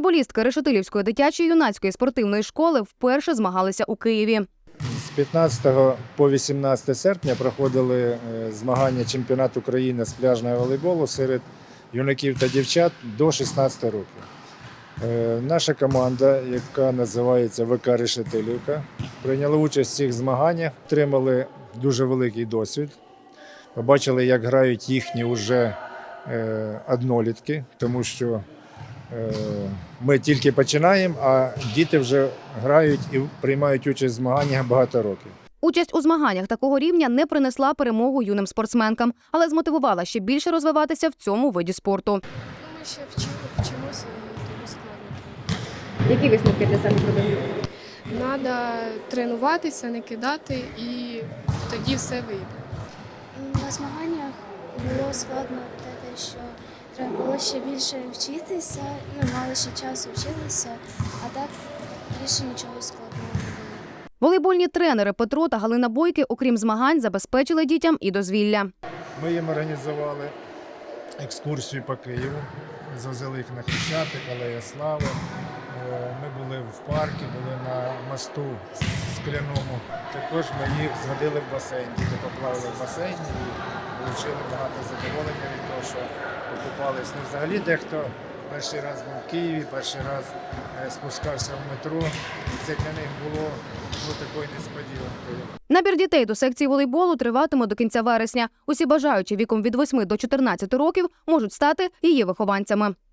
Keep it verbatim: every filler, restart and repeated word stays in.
Волейболістки Решетилівської дитячо-юнацької спортивної школи вперше змагалися у Києві. З п'ятнадцятого по вісімнадцяте серпня проходили змагання чемпіонату України з пляжного волейболу серед юнаків та дівчат до шістнадцяти років. Наша команда, яка називається ВК Решетилівка, прийняла участь в цих змаганнях, отримали дуже великий досвід. Побачили, як грають їхні вже однолітки, тому що ми тільки починаємо, а діти вже грають і приймають участь в змаганнях багато років. Участь у змаганнях такого рівня не принесла перемогу юним спортсменкам, але змотивувала ще більше розвиватися в цьому виді спорту. Ми ще вчимо, вчимося і тому складно. Які висновки для себе зробили? Треба тренуватися, не кидати і тоді все вийде. На змаганнях було складно те, що треба було ще більше вчитися, ну, мало ще часу вчилися, а так більше нічого складного не було. Волейбольні тренери Петро та Галина Бойки, окрім змагань, забезпечили дітям і дозвілля. Ми їм організували екскурсію по Києву, завезли їх на Хрещатик, Алея Слави. Ми були в парку, були на мосту скляному. Також ми їх зводили в басейн. Діти поплавали в басейні і отримали багато задоволення від того, що покупались. Ну, взагалі дехто перший раз був в Києві, перший раз спускався в метро. І це для них було ну, такою несподіванкою. Набір дітей до секції волейболу триватиме до кінця вересня. Усі бажаючі віком від восьми до чотирнадцяти років можуть стати її вихованцями.